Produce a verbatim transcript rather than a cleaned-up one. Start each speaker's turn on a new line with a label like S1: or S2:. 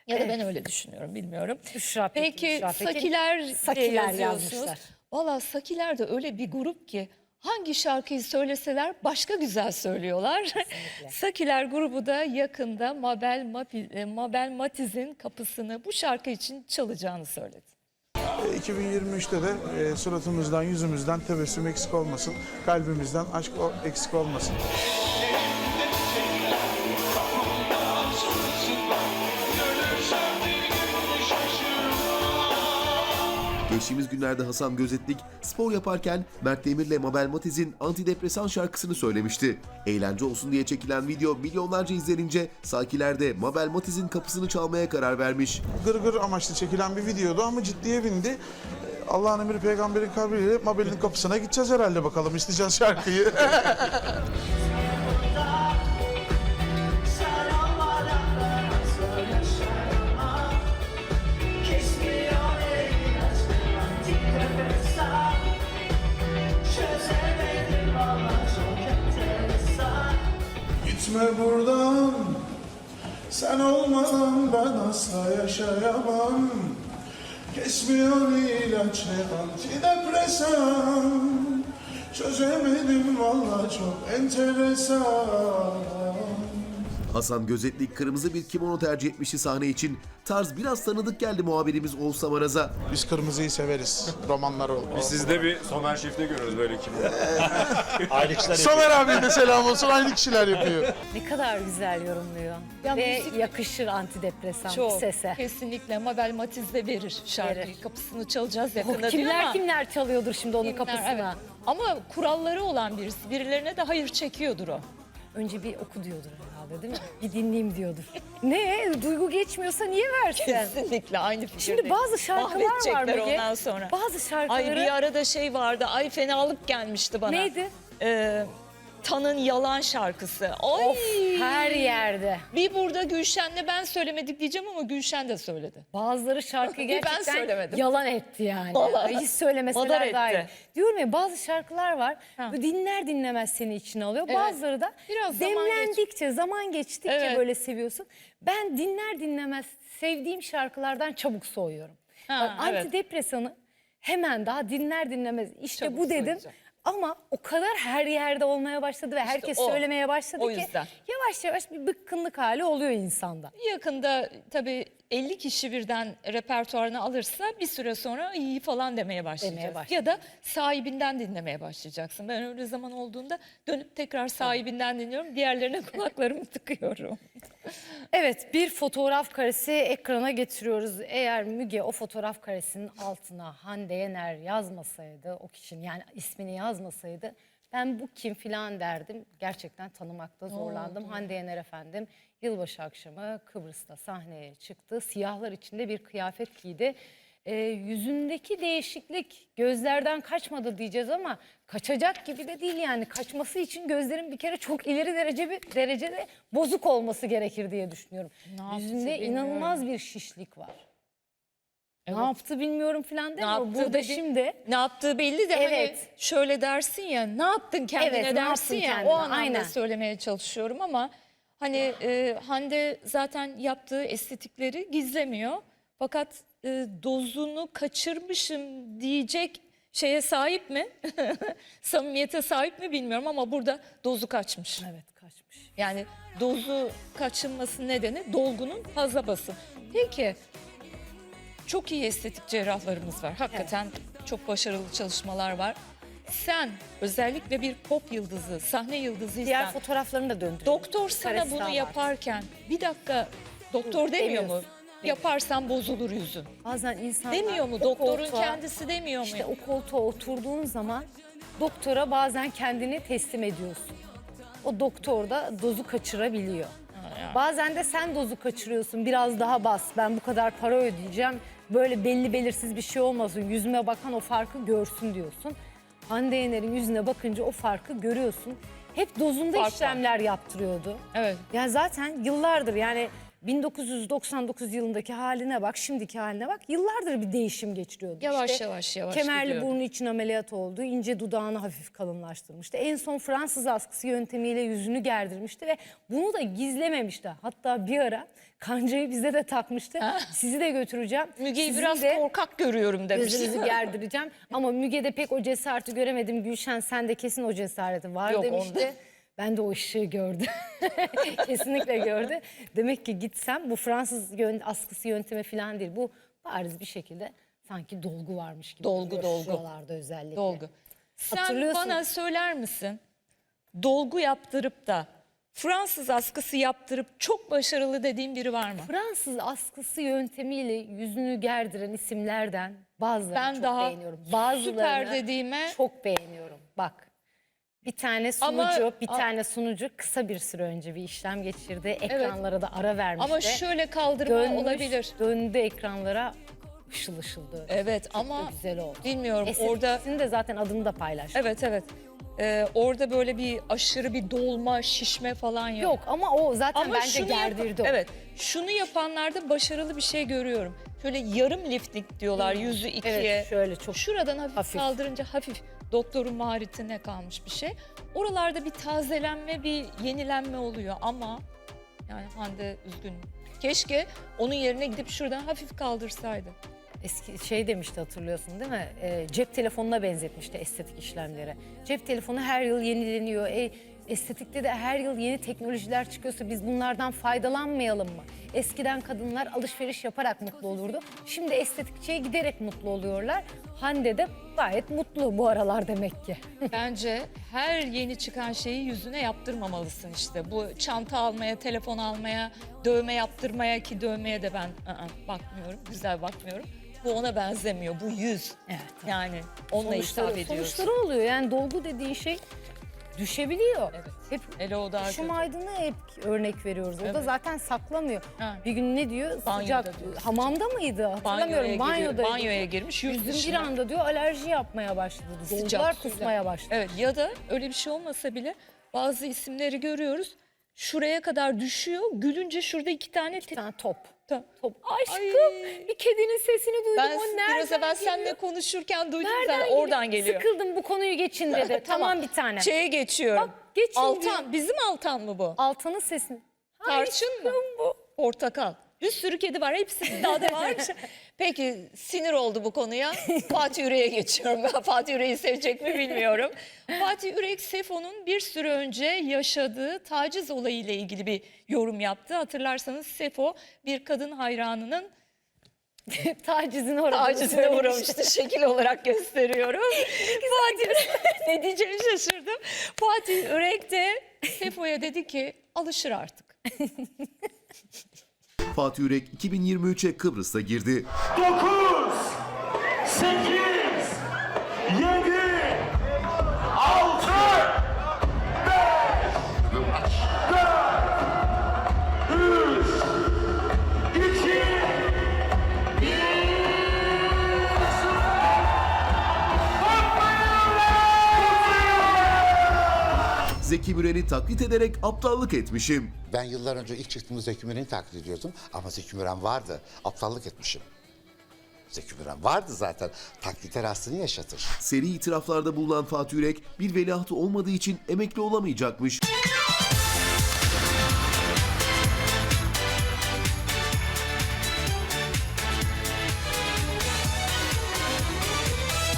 S1: Ya da ben öyle düşünüyorum, bilmiyorum.
S2: Büşra Pekin,
S1: Peki
S2: Büşra Pekin.
S1: Sakiler,
S2: Sakiler
S1: yazıyorsunuz.
S2: yazmışlar.
S1: Valla Sakiler de öyle bir grup ki hangi şarkıyı söyleseler başka güzel söylüyorlar. Sakiler grubu da yakında Mabel, Mapi, e, Mabel Matiz'in kapısını bu şarkı için çalacağını söyledi.
S3: iki bin yirmi üçte de e, suratımızdan, yüzümüzden tebessüm eksik olmasın. Kalbimizden aşk o- eksik olmasın.
S4: Geçtiğimiz günlerde Hasan Gözetlik spor yaparken Mert Demir'le Mabel Matiz'in antidepresan şarkısını söylemişti. Eğlence olsun diye çekilen video milyonlarca izlenince Sakiler de Mabel Matiz'in kapısını çalmaya karar vermiş.
S3: Gırgır amaçlı çekilen bir videodu ama ciddiye bindi. E, Allah'ın emri peygamberin kabriyle Mabel'in kapısına gideceğiz herhalde, bakalım isteyeceğiz şarkıyı. Gitme buradan, sen olmadan ben asla yaşayamam. Kesmiyor ilaç ne antidepresan. Çözemedim vallahi çok enteresan.
S4: Hasan Gözetlik kırmızı bir kimono tercih etmişti sahne için. Tarz biraz tanıdık geldi muhabirimiz Oğuzhan Maraz'a.
S3: Biz kırmızıyı severiz, romanlar oldu.
S5: Biz sizde bir Somer Şef'te görürüz böyle kim.
S6: Aynı kişiler
S3: Somer abiye de selam olsun, aynı kişiler yapıyor.
S2: Ne kadar güzel yorumluyor.
S1: Ya
S2: Ve
S1: müzik-
S2: yakışır antidepresan
S1: Çok,
S2: sese.
S1: kesinlikle Mabel Matiz de verir şarkıyı.
S2: Verir.
S1: Kapısını çalacağız
S2: Oh,
S1: yakında diyor
S2: kimler
S1: ama.
S2: kimler çalıyordur şimdi onun
S1: Kimler,
S2: kapısına.
S1: evet. Ama kuralları olan birisi. Birilerine de hayır çekiyordur o.
S2: Önce bir oku diyordur herhalde, değil mi? Bir dinleyeyim diyordur. Ne? Duygu geçmiyorsa niye versin?
S1: Kesinlikle aynı fikirdeyim.
S2: Şimdi bazı şarkılar var
S1: Mahvedecekler
S2: Müge.
S1: ondan sonra.
S2: Bazı şarkıları...
S1: Ay bir arada şey vardı. Ay fenalık gelmişti bana.
S2: Neydi?
S1: Ee, Tan'ın Yalan şarkısı. Ay.
S2: Of, her yerde.
S1: Bir burada Gülşen'le ben söylemedik diyeceğim ama Gülşen de söyledi.
S2: Bazıları şarkıyı
S1: Bir ben
S2: gerçekten
S1: söylemedim.
S2: yalan etti yani.
S1: Vallahi.
S2: Hiç
S1: Madar
S2: söylemeseler
S1: etti.
S2: daha iyi. Diyorum ya, bazı şarkılar var.
S1: Ha.
S2: Böyle dinler dinlemez seni içine alıyor.
S1: Evet.
S2: Bazıları da
S1: Biraz zaman
S2: demlendikçe, zaman geçtikçe
S1: Evet.
S2: böyle seviyorsun. Ben dinler dinlemez sevdiğim şarkılardan çabuk soğuyorum.
S1: Ha,
S2: Bak,
S1: evet.
S2: antidepresanı hemen daha dinler dinlemez işte
S1: Çabuk
S2: bu dedim.
S1: söyleyeceğim.
S2: Ama o kadar her yerde olmaya başladı ve herkes
S1: o.
S2: söylemeye başladı
S1: O
S2: ki
S1: yüzden.
S2: yavaş yavaş bir bıkkınlık hali oluyor insanda.
S1: Yakında tabii elli kişi birden repertuarını alırsa bir süre sonra iyi falan demeye başlayacak.
S2: Demeye başlayacak.
S1: Ya da sahibinden dinlemeye başlayacaksın. Ben öyle zaman olduğunda dönüp tekrar sahibinden dinliyorum. Diğerlerine kulaklarımı tıkıyorum.
S2: Evet, bir fotoğraf karesi ekrana getiriyoruz. Eğer Müge o fotoğraf karesinin altına Hande Yener yazmasaydı, o kişinin yani ismini yazmasaydı, ben bu kim filan derdim. Gerçekten tanımakta zorlandım. Hande Yener efendim yılbaşı akşamı Kıbrıs'ta sahneye çıktı. Siyahlar içinde bir kıyafet giydi. Ee, yüzündeki değişiklik gözlerden kaçmadı diyeceğiz ama kaçacak gibi de değil yani. Kaçması için gözlerin bir kere çok ileri derece bir derecede bozuk olması gerekir diye düşünüyorum.
S1: Ne yaptı
S2: Yüzünde
S1: bilmiyorum.
S2: inanılmaz bir şişlik var.
S1: Evet.
S2: Ne yaptı bilmiyorum falan
S1: Ne
S2: değil mi?
S1: yaptı
S2: Burada
S1: dedi-
S2: şimdi
S1: Ne yaptığı belli de hani
S2: Evet.
S1: şöyle dersin ya, ne yaptın kendine
S2: Evet, ne
S1: dersin
S2: yaptın
S1: ya,
S2: kendine,
S1: o anlamda
S2: aynen.
S1: söylemeye çalışıyorum ama hani e, Hande zaten yaptığı estetikleri gizlemiyor. Fakat e, dozunu kaçırmışım diyecek şeye sahip mi? Samimiyete sahip mi bilmiyorum ama burada dozu kaçmış.
S2: evet kaçmış.
S1: Yani dozu kaçınması nedeni dolgunun fazla bası. Peki çok iyi estetik cerrahlarımız var. Hakikaten çok başarılı çalışmalar var. Sen özellikle bir pop yıldızı, sahne
S2: Diğer
S1: yıldızıysan
S2: fotoğraflarını da döndürelim.
S1: doktor sana
S2: Karesi daha
S1: bunu
S2: var.
S1: yaparken bir dakika doktor demiyor mu?
S2: demiyorsun.
S1: Yaparsan bozulur yüzün.
S2: Bazen insanlar
S1: Demiyor mu?
S2: o
S1: Doktorun
S2: koltuğa-
S1: kendisi demiyor mu?
S2: İşte o koltuğa oturduğun zaman doktora bazen kendini teslim ediyorsun. O doktor da dozu kaçırabiliyor. Bazen de sen dozu kaçırıyorsun. Biraz daha bas. Ben bu kadar para ödeyeceğim. Böyle belli belirsiz bir şey olmasın. Yüzüme bakan o farkı görsün diyorsun. Hande Yener'in yüzüne bakınca o farkı görüyorsun. Hep dozunda
S1: Fark var.
S2: işlemler yaptırıyordu.
S1: Evet.
S2: Ya zaten yıllardır yani bin dokuz yüz doksan dokuz yılındaki haline bak, şimdiki haline bak. Yıllardır bir değişim geçiriyordu.
S1: Yavaş
S2: İşte
S1: yavaş yavaş
S2: kemerli
S1: gidiyordu.
S2: burnu için ameliyat oldu. İnce dudağını hafif kalınlaştırmıştı. En son Fransız askısı yöntemiyle yüzünü gerdirmişti ve bunu da gizlememişti. Hatta bir ara kancayı bize de takmıştı. Sizi de götüreceğim.
S1: Müge'yi
S2: Sizin
S1: biraz
S2: de
S1: korkak görüyorum demiştim.
S2: gözünüzü gerdireceğim. Ama Müge'de pek o cesareti göremedim. Gülşen sende kesin o cesareti var
S1: Yok,
S2: demişti.
S1: onda.
S2: Ben de o ışığı gördüm. Kesinlikle gördü. Demek ki gitsem bu Fransız yön- askısı yöntemi falan değil. Bu bariz bir şekilde sanki dolgu varmış gibi.
S1: Dolgu,
S2: duruyor
S1: dolgu.
S2: şuralarda özellikle.
S1: Dolgu. Sen
S2: Hatırlıyorsun.
S1: bana söyler misin? Dolgu yaptırıp da Fransız askısı yaptırıp çok başarılı dediğin biri var mı?
S2: Fransız askısı yöntemiyle yüzünü gerdiren isimlerden bazılarını
S1: Ben
S2: çok
S1: daha
S2: beğeniyorum. Bazılarını
S1: süper dediğime
S2: çok beğeniyorum. Bak. Bir tane
S1: Ama-
S2: sunucu, bir
S1: a-
S2: tane sunucu kısa bir süre önce bir işlem geçirdi. Ekranlara da ara vermişti.
S1: ama şöyle kaldırma
S2: Dönmüş,
S1: olabilir.
S2: Döndü ekranlara ışıl ışıl döndü.
S1: Evet
S2: Çok
S1: ama
S2: da güzel oldu.
S1: bilmiyorum
S2: Estetikçisinin
S1: orada
S2: de zaten adını da paylaştı.
S1: evet evet. Ee, orada böyle bir aşırı bir dolma, şişme falan yok.
S2: Yok ama o zaten
S1: Ama
S2: bence
S1: şunu yap-
S2: gerdirdi o.
S1: Evet. Şunu yapanlarda başarılı bir şey görüyorum. Şöyle yarım lifting diyorlar yüzü ikiye.
S2: Evet şöyle çok
S1: Şuradan hafif,
S2: Hafif.
S1: kaldırınca hafif doktorun maharetine kalmış bir şey. Oralarda bir tazelenme, bir yenilenme oluyor ama yani Hande üzgünüm. Keşke onun yerine gidip şuradan hafif kaldırsaydı.
S2: eski şey demişti hatırlıyorsun değil mi? Ee, cep telefonuna benzetmişti estetik işlemlere. Cep telefonu her yıl yenileniyor. E, estetikte de her yıl yeni teknolojiler çıkıyorsa biz bunlardan faydalanmayalım mı? Eskiden kadınlar alışveriş yaparak mutlu olurdu. Şimdi estetikçiye giderek mutlu oluyorlar. Hande de gayet mutlu bu aralar demek ki.
S1: Bence her yeni çıkan şeyi yüzüne yaptırmamalısın işte. Bu çanta almaya, telefon almaya, dövme yaptırmaya ki dövmeye de ben ı-ı, bakmıyorum, güzel bakmıyorum. Bu ona benzemiyor, bu yüz.
S2: Evet.
S1: Yani onunla
S2: Sonuçları,
S1: hitap ediyorsun.
S2: sonuçları oluyor. Yani dolgu dediğin şey düşebiliyor.
S1: Evet.
S2: Hep
S1: Hele o daha
S2: Işım
S1: kötü.
S2: Aydın'ı hep örnek veriyoruz. O da
S1: Evet.
S2: zaten saklamıyor.
S1: Ha.
S2: Bir gün ne diyor?
S1: Banyoda
S2: Sıcak.
S1: diyor,
S2: Hamamda mıydı? Hatırlamıyorum.
S1: Banyoya,
S2: Banyoda.
S1: giriyor, banyoya girmiş, yurt
S2: Yüzüm bir
S1: dışına.
S2: anda diyor alerji yapmaya başladı.
S1: Sıcak
S2: Dolgular
S1: suyla.
S2: kusmaya başladı.
S1: Evet ya da öyle bir şey olmasa bile bazı isimleri görüyoruz. Şuraya kadar düşüyor, gülünce şurada iki tane...
S2: Bir tane top.
S1: te-
S2: Top. Aşkım
S1: Ay.
S2: bir kedinin sesini duydum.
S1: Ben
S2: o nereden
S1: biraz evvel
S2: geliyor?
S1: seninle konuşurken duydum
S2: Nereden
S1: zaten
S2: geliyor?
S1: oradan geliyor.
S2: Sıkıldım bu konuyu geçin dedi. tamam bir tane.
S1: Şeye geçiyorum.
S2: Bak, geçin
S1: Altan,
S2: diyor.
S1: bizim Altan mı bu?
S2: Altan'ın sesini.
S1: Tarçın mı? Bu. Portakal. Bir sürü kedi var. Hepsi daha da var. Peki sinir oldu bu konuya. Fatih Ürek'e geçiyorum. Ben Fatih Ürek'i sevecek mi bilmiyorum. Fatih Ürek Sefo'nun bir süre önce yaşadığı taciz olayı ile ilgili bir yorum yaptı. Hatırlarsanız Sefo bir kadın hayranının
S2: Tacizine uğradığını
S1: tacizine
S2: söylemişti.
S1: uğramıştı. Şekil olarak gösteriyorum. Fatih ne diyeceğimi şaşırdım. Fatih Ürek de Sefo'ya dedi ki alışır artık.
S4: Fatih Yürek iki bin yirmi üçe Kıbrıs'ta girdi.
S6: dokuz, sekiz, yedi, altı, beş, dört, üç, iki,
S4: Zeki Müren'i taklit ederek aptallık etmişim.
S7: Ben yıllar önce ilk çıktığımda Zeki Müren'i taklit ediyordum ama Zeki Müren vardı. Aptallık etmişim. Zeki Müren vardı zaten. Taklitler aslını yaşatır.
S4: Seri itiraflarda bulunan Fatih Yürek bir veliahtı olmadığı için emekli olamayacakmış.